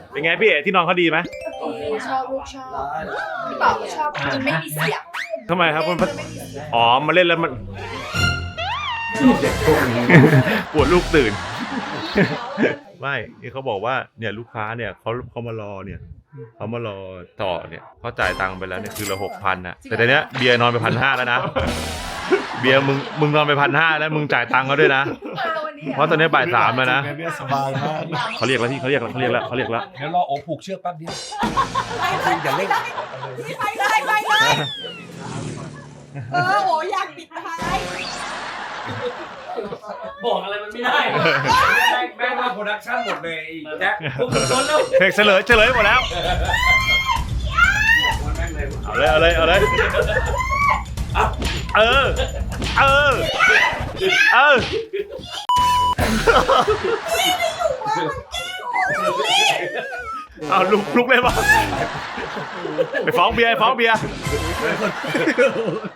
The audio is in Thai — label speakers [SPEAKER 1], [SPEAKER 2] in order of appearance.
[SPEAKER 1] เป็นไงพี่เอ๋ที่นอนเขาดีไหม
[SPEAKER 2] ชอบลูกชอบพี่บอกชอบมันไม่มีเสียง
[SPEAKER 1] ทำไมครับคุณอ๋อมาเล่นแล้วมันปวดลูกตื่น ไม่นี่เขาบอกว่าเนี่ยลูกค้าเนี่ยเขามารอเนี่ยเขามารอต่อเนี่ยเขาจ่ายตังค์ไปแล้วเนี่ยคือละ6,000นะแต่ตอนเนี้ยเบียร์นอนไป1,500แล้วนะเบียร์มึงนอนไป1,500แล้วมึงจ่ายตังค์เขาด้วยนะเพราะตอนนี้บ่าย 3แล้วนะ
[SPEAKER 3] สบายมาก
[SPEAKER 1] เขาเรียกแล้วพี่เขาเรียกแล้ว
[SPEAKER 3] เดี๋ยวรอโอผูกเชือกแป๊บเดียวอย่าเล่น
[SPEAKER 2] ไปเลยโหอยากปิดท้าย
[SPEAKER 4] บอกอะไรมันไม่ได้แม่งว่าโปรดักชั่นหมดเลยแจ็คพวกมึงโดนแล้ว
[SPEAKER 1] เพลงเฉลยหมดแล้วเอาเลยเออเอาลุกเลยป่ะไปฟ้องเบียร์